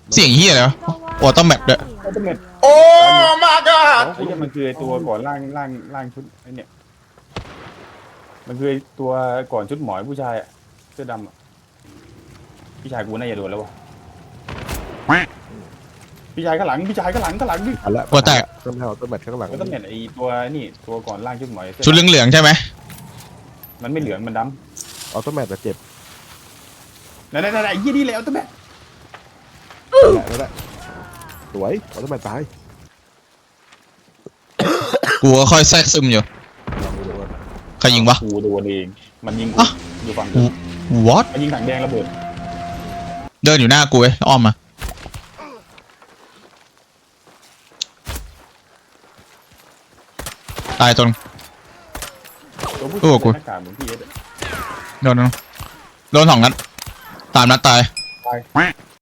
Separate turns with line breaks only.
เสียงเฮียเลยวะโอ้ต้องแมทด้วย
อัลติเมท
โอ้ my god
ไอ้เนี่ยมันคือไอ้ตัวก่อนร่างชุดไอ้เนี่ยมันคือไอ้ตัวก่อนชุดหมอยผู้ชายอะเสื้อดำอะพี่ชายกูน่าจะโดนแล้ววะพี่ชายข้างหลังพี่ชายข้างหลังดิ
อันละ
หัวแตก
ต้องให้เอาต้นแมทข้างหลัง
อัลติเมทไอ้ตัวนี่ตัวก่อนร่างชุดหมอย
ชุดเหลืองๆใช่ไหม
มันไม่เหลืองมันด
เอาต้นแมทจะเจ็บ
ำนั่นไอ้ยี่นี่แหละอัลติเมท
นั่นแหละสวยเอาต้นแมทตาย
กูก็ค่อยแทรกซึมอยู่
ลองดูว่า
ใครยิงวะ
กูโดนเองมันยิงกู
อ่ะ
อยู่ฝั่ง
what
มันยิงถังแดงระเบิด
เดินอยู่หน้ากูเว้ยอ้อมมาตายตรง
ตัวผู้
โอ้
ชาย
กู
หน้ากากเหมือนพี่เอสอะ
โดน2 นัด3 นัดตาย
ตาย